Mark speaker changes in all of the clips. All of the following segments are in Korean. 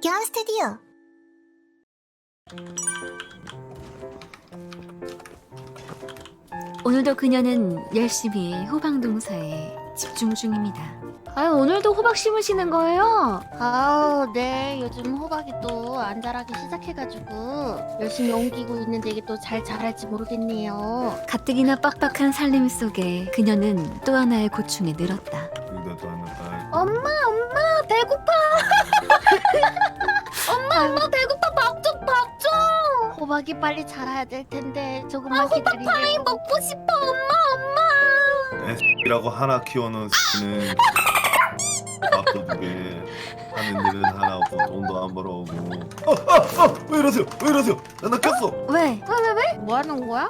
Speaker 1: 기안 스튜디오.
Speaker 2: 오늘도 그녀는 열심히 호박 농사에 집중 중입니다. 아유, 오늘도 호박 심으시는 거예요?
Speaker 3: 아우, 네. 요즘 호박이 또 안 자라기 시작해가지고 열심히 옮기고 있는데 이게 또 잘 자랄지 모르겠네요.
Speaker 2: 가뜩이나 빡빡한 살림 속에 그녀는 또 하나의 고충에 늘었다.
Speaker 3: 엄마, 배고파. 엄마, 배고파. 밥 좀. 호박이 빨리 자라야 될 텐데 조금만 기다리고. 호박파이 먹고 싶어, 엄마.
Speaker 4: 이라고 하나 키워놓은 는 밥도 2개 하는 일은 하나 없고 돈도 안 벌어오고. 왜 이러세요? 나 꼈어.
Speaker 2: 왜?
Speaker 3: 뭐 하는 거야?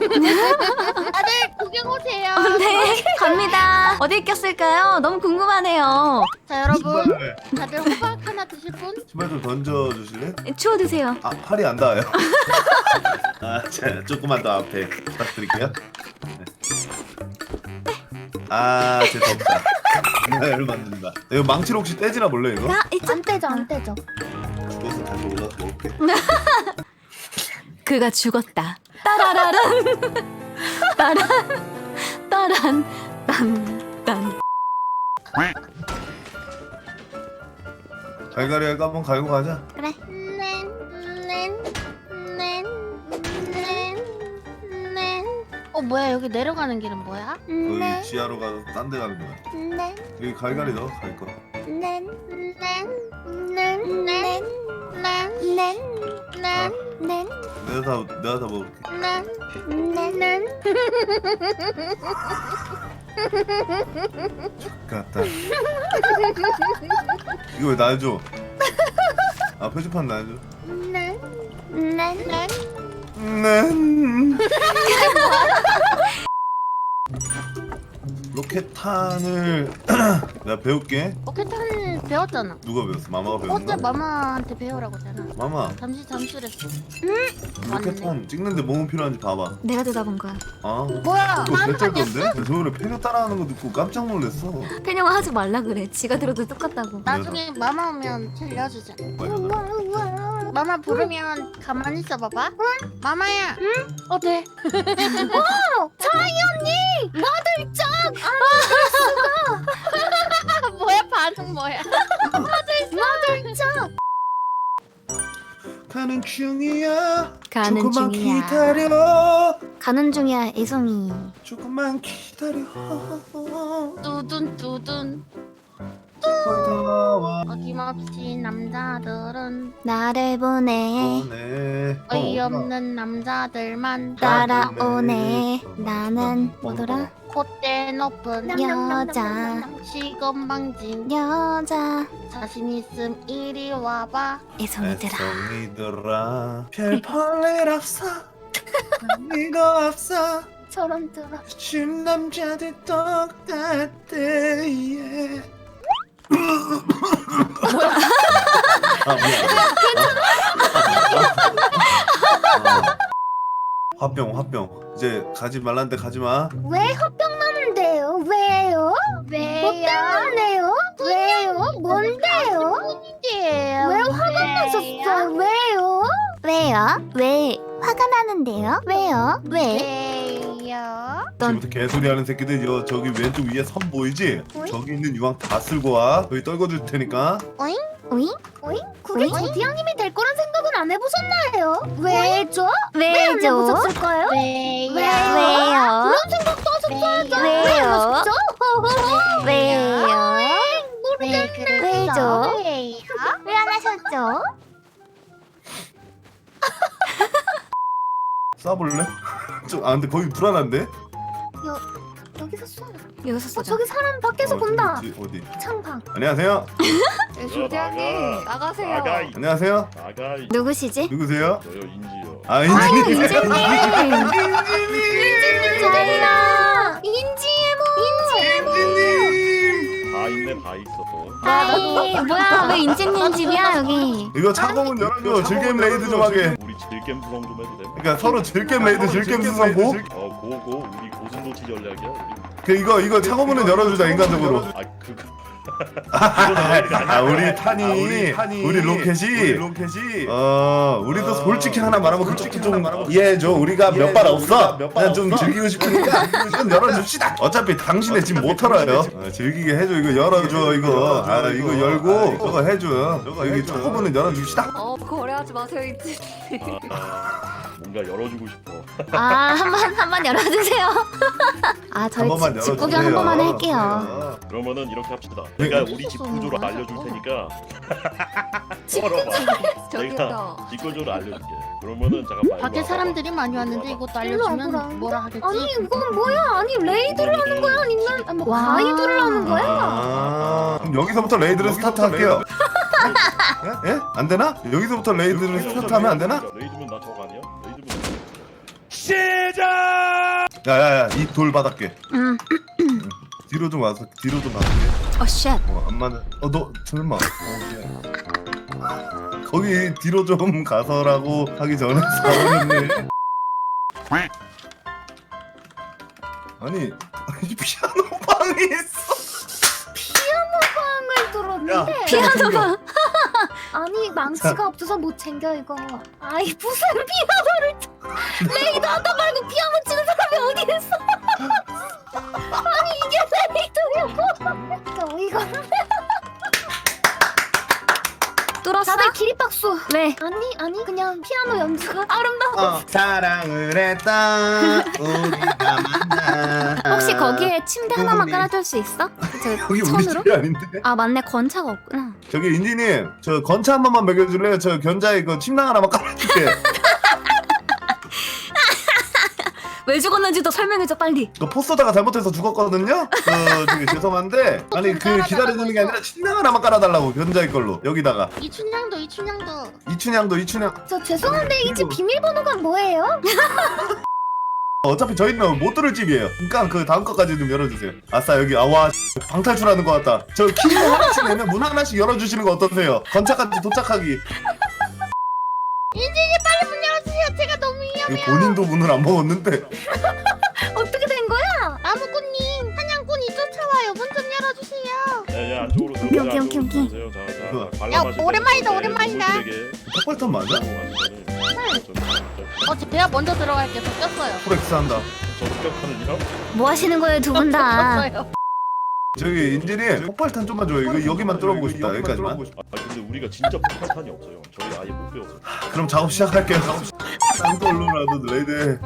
Speaker 3: 다들 구경 오세요.
Speaker 2: 네, 갑니다. 어디 꼈을까요? 너무 궁금하네요.
Speaker 3: 자, 여러분. 다들 호박 하나 드실 분?
Speaker 4: 신발 좀 던져주실래?
Speaker 2: 추워 드세요.
Speaker 4: 아, 팔이 안 닿아요. 자, 조금만 더 앞에 부탁드릴게요. 네. 아, 재수없다. 를 만든다. 이거 망치로 혹시 떼지나 몰래 이거?
Speaker 3: 안 떼죠.
Speaker 4: 죽어서 다시 올라서 먹을게.
Speaker 2: 그가 죽었다. 따라라란. 따란. 딴.
Speaker 4: 갈갈이 할까 한번 갈고 가자.
Speaker 1: 그래.
Speaker 3: 뭐야, 여기 내려가는 길은 뭐야?
Speaker 4: 거기 지하로 가서 딴 데 가는 거야. 여기 갈갈이 너 갈 거. 내가 다 먹을게. 갔다. 이거 왜 날 줘? 아, 표지판 날 줘. 로켓탄을 내가 배울게.
Speaker 3: 로켓탄 배웠잖아.
Speaker 4: 누가 배웠어? 마마가 배웠나?
Speaker 3: 어제 마마한테 배우라고 했잖아.
Speaker 4: 마마,
Speaker 3: 잠시 잠수랬어.
Speaker 4: 로켓탄 찍는데 뭐뭐 필요한지 봐봐.
Speaker 2: 내가 대답한
Speaker 4: 아,
Speaker 3: 뭐야?
Speaker 4: 그거 개쩔던데? 저번에 페뇨 따라하는 거 듣고 깜짝 놀랐어.
Speaker 2: 페녀가 하지 말라 그래. 지가 들어도 똑같다고.
Speaker 3: 나중에 마마 오면 들려주자.
Speaker 4: 맞아.
Speaker 3: 마마 부르면 가만히 있어 봐봐. 응? 마마야. 응? 네. 차이 언니! 마들짱! 뭐야, 반응 뭐야? 마들짱!
Speaker 4: 가는 중이야.
Speaker 2: 가는
Speaker 4: 조금만
Speaker 2: 중이야.
Speaker 4: 기다려.
Speaker 2: 가는 중이야, 애송이.
Speaker 4: 조금만 기다려.
Speaker 3: 뚜둔.
Speaker 4: 다와
Speaker 3: 어김없이 남자들은
Speaker 2: 나를 보내.
Speaker 4: 오네.
Speaker 3: 어이없는 남자들만
Speaker 2: 따라오네. 나는 뭐더라?
Speaker 3: 콧대 높은
Speaker 2: 여자.
Speaker 3: 시건방진
Speaker 2: 여자.
Speaker 3: 자신 있음 이리 와봐.
Speaker 2: 애송이들아.
Speaker 4: 애송이들아 별 볼일 없어. 의미도 없어.
Speaker 3: 저런 들어.
Speaker 4: 준 남자들 똑같대. 아, 미안. 화병. 이제 가지 말란데 가지 마.
Speaker 1: 왜 화병 나는데요? 왜요? 뭐 때문에요? 왜요? 뭔데요?
Speaker 3: 뿐인데요.
Speaker 1: 왜 화가 나셨어요? 왜요? 왜 화가 나는데요? 왜요?
Speaker 3: 왜요?
Speaker 4: 지금부터 개소리 하는 새끼들 저기 왼쪽 위에 선 보이지?
Speaker 1: 어이?
Speaker 4: 저기 있는 유황 다 쓸고 와. 거기 떨궈줄 테니까.
Speaker 1: 오잉? 그게 조디양님이 될 거란 생각은 안 해보셨나요? 왜죠? 왜 안 해보셨을까요?
Speaker 3: 왜요?
Speaker 1: 그런 생각도 하셨어야죠. 왜 안 하셨죠? 왜요? 왜죠? 왜 안 하셨죠?
Speaker 4: 쏴볼래? 근데 거기 불안한데?
Speaker 1: 여기서 쏘.
Speaker 2: 여기서 쏘자.
Speaker 1: 저기 사람 밖에서 본다.
Speaker 4: 어디?
Speaker 1: 창방.
Speaker 4: 안녕하세요.
Speaker 5: 조대장님
Speaker 1: 나가세요.
Speaker 4: 안녕하세요.
Speaker 5: 나가이.
Speaker 2: 누구시지?
Speaker 4: 누구세요?
Speaker 5: 저요 인지요.
Speaker 4: 아, 인지님.
Speaker 2: 인지님.
Speaker 1: 잘라. 인지해모.
Speaker 5: 다 있네 다 있어.
Speaker 2: 아이, 뭐야, 왜 인재님 집이야, 여기?
Speaker 4: 이거 차고문 열어줘. 즐겜 레이드 좀 하게.
Speaker 5: 우리 즐겜 수성 좀 해도 돼?
Speaker 4: 그러니까 서로 즐겜 레이드, 즐겜 수성고.
Speaker 5: 고고 우리 고슴도치 전략이야. 우리.
Speaker 4: 이거 차고문은 열어주자 인간적으로.
Speaker 5: 아 그거
Speaker 4: 우리 탄이 우리 로켓이 우리도 솔직히 하나 말하면 그쪽도 좀 이해해줘. 우리가 몇 발 없어. 그냥 좀 즐기고 싶으니까 좀 열어줍시다. 어차피 당신의 집 못 털어요. 즐기게 해줘. 이거 열어줘. 이거 이거 열고 저거 해줘. 여기 초코부는 열어줍시다.
Speaker 2: 거래하지 마세요 이제.
Speaker 5: 뭔가 열어주고 싶어.
Speaker 2: 한 번 열어주세요.
Speaker 4: 한
Speaker 2: 저희
Speaker 4: 번만
Speaker 2: 집 구경
Speaker 4: 열어주세요.
Speaker 2: 한 번만 할게요.
Speaker 5: 그러면은 이렇게 합시다. 내가 우리 집 구조를 알려줄 테니까. 썰어봐. 내가 집 구조를 알려줄게. 그러면은 잠깐만.
Speaker 3: 밖에 사람들이 많이 왔는데 이것도
Speaker 1: 일로 와보라.
Speaker 3: 알려주면 뭐라 하겠지?
Speaker 1: 아니 이건 뭐야? 아니 레이드를 하는 거야? 아니면 뭐
Speaker 2: 와.
Speaker 1: 가이드를 하는 거야?
Speaker 4: 그럼 여기서부터 레이드를 스타트할게요. 예? 예? 안 되나? 여기서부터 레이드를 스타트하면 안 되나?
Speaker 5: 레이드면 나 저거 아니야? 레이드면.
Speaker 4: 야야야 이 돌 받았게. 뒤로 좀 와서 뒤로 좀 받을게.
Speaker 2: 쉣.
Speaker 4: 안 맞는. 너 설마. 거기 뒤로 좀 가서라고 하기 전에 사원이네. 아니 피아노 방이 있어.
Speaker 1: 방을 들었는데
Speaker 2: 피아노가.
Speaker 1: 아니 망치가 없어서 못 챙겨 이거. 아이 무슨 피아노를 레이드 하다 말고 피아노 치는 사람이 어디 있어? 아니 이게 레이드냐고? 어이가 없네.
Speaker 2: 뚫었어?
Speaker 1: 다들 기립박수.
Speaker 2: 왜?
Speaker 1: 아니 그냥 피아노 연주가 아름다워.
Speaker 4: 사랑을 했다 우리가 만나.
Speaker 2: 혹시 거기에 침대 하나만 깔아줄 수 있어?
Speaker 4: 여기 우리
Speaker 2: 천으로?
Speaker 4: 집이 아닌데.
Speaker 2: 아 맞네 건차가 없구나.
Speaker 4: 저기 인지님 저 건차 한 번만 먹여줄래요? 저 견자에 그 침낭 하나만 깔아줄게.
Speaker 2: 왜 죽었는지도 설명해줘 빨리.
Speaker 4: 그 포스터다가 잘못해서 죽었거든요. 저기 죄송한데 아니 그 기다려주는 게 아니라 침낭 하나만 깔아달라고 견자의 걸로 여기다가
Speaker 3: 이춘향도
Speaker 4: 이춘향.
Speaker 1: 저 죄송한데 이 집 비밀번호가 뭐예요?
Speaker 4: 어차피 저희는 못 들을 집이에요. 그러니까 그 다음 거까지 좀 열어주세요. 아싸 여기 아와 방탈출하는 것 같다. 저 키 하나씩 내면 문 하나씩 열어주시는 거 어떠세요? 건차까지 도착하기.
Speaker 3: 인진이 빨리 문 열어주세요. 제가 너무 위험해요.
Speaker 4: 이거 본인도 문을 안 먹었는데.
Speaker 1: 어떻게 된 거야?
Speaker 3: 나무꾼님 사냥꾼이 쫓아와요. 문 좀 열어주세요.
Speaker 5: 야야 안쪽으로 들어오세요.
Speaker 2: 오케이, 오케이,
Speaker 5: 안쪽으로
Speaker 2: 오케이.
Speaker 5: 들어오세요. 자,
Speaker 3: 야,
Speaker 5: 관람하실
Speaker 3: 오랜만이다,
Speaker 5: 때
Speaker 3: 오랜만이다.
Speaker 5: 물들에게
Speaker 4: 폭발탄 맞아?
Speaker 3: 제가 먼저 들어갈게요. 저 꼈어요.
Speaker 4: 프렉스 한다.
Speaker 5: 저 습격하는이랑
Speaker 2: 뭐 하시는 거예요 두 분 다?
Speaker 3: 꼈어요.
Speaker 4: 저기 인진이 폭발탄 좀만 줘요. 이거 여기만 뚫어보고 싶다. 여기까지만.
Speaker 5: 근데 우리가 진짜 폭탄이 없어요. 저희 아예 못 배워서.
Speaker 4: 그럼 작업 시작할게요. 짱돌로라도 레이드.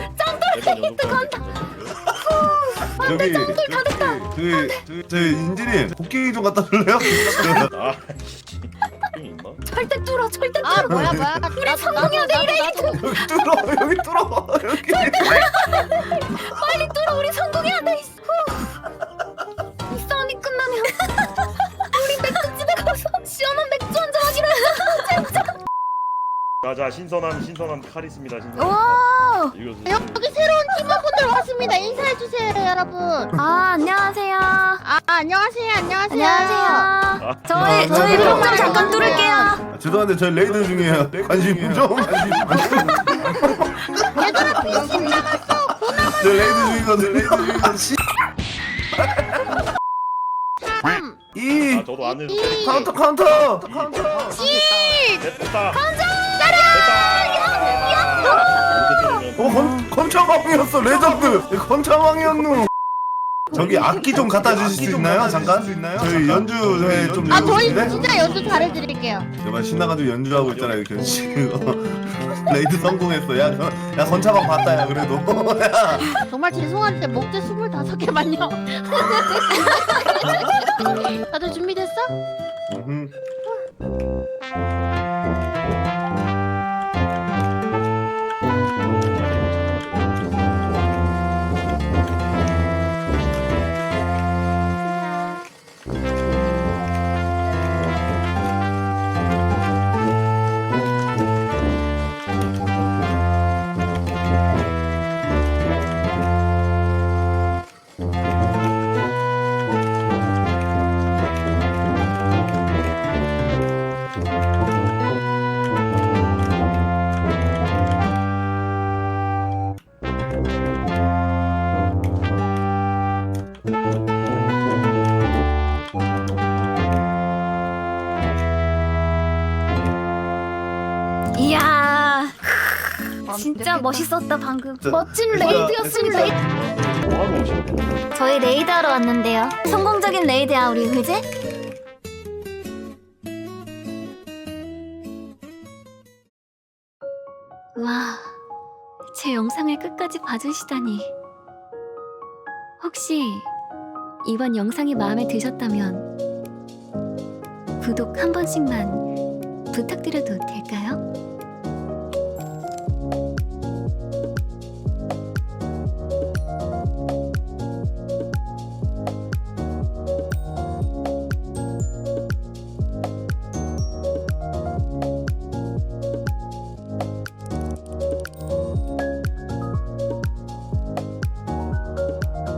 Speaker 4: 저기 인진이 복귀 좀 갖다 줄래요?
Speaker 5: 아, 이 있나?
Speaker 1: 절대 뚫어.
Speaker 3: 아 뭐야. 우리 성공해야 돼 이래.
Speaker 4: 여기 뚫어 여기 뚫어 여기.
Speaker 1: 빨리 뚫어. 우리 성공해야 돼. 후. 이 싸움이 끝나면 우리 맥주집에 가서 시원한 맥주 한잔 하기로 했어.
Speaker 5: 자 신선한 칼 있습니다. 신선한
Speaker 2: 오.
Speaker 5: 칼. 이거 드세요.
Speaker 3: 여기 새로운 팀원분들 왔습니다. 인사해 주세요, 여러분.
Speaker 2: 아 안녕하세요.
Speaker 3: 안녕하세요.
Speaker 2: 안녕하세요. 저희
Speaker 4: 저희
Speaker 2: 그럼 좀 잠깐 뚫을게요.
Speaker 4: 죄송한데 저희 레이드 중이에요. 관심 좀.
Speaker 3: 얘들아 빈신 남았어.
Speaker 4: 저 레이드 중이거든. 레이드 중이거든. 씨.
Speaker 3: 3,
Speaker 4: 이
Speaker 5: 저도 안 해도
Speaker 3: 2,
Speaker 4: 카운터.
Speaker 3: 1.
Speaker 5: 됐다.
Speaker 4: 건차왕이었어 레전드. 건차왕이었누. 저기 악기 좀 갖다 주실 수 있나요? 잠깐. 저희 연주회 좀.
Speaker 3: 저희
Speaker 4: 해주실래?
Speaker 3: 진짜 연주 잘해드릴게요.
Speaker 4: 정말 신나가지고 연주하고 있잖아요, 견씨. 레이드 성공했어. 야 건차방 봤다, 야 그래도. 야.
Speaker 3: 정말 죄송한데 목재 25개만요. 다들 준비됐어?
Speaker 1: 진짜 멋있었다 방금.
Speaker 4: 진짜-
Speaker 1: 멋진
Speaker 4: 진짜-
Speaker 1: 레이드였습니다.
Speaker 5: 뭐하고 오셨대?
Speaker 1: 저희 레이드하러 왔는데요. 성공적인 레이드야 우리 그지?
Speaker 2: 와, 제 영상을 끝까지 봐주시다니. 혹시 이번 영상이 마음에 드셨다면 구독 한 번씩만 부탁드려도 될까요?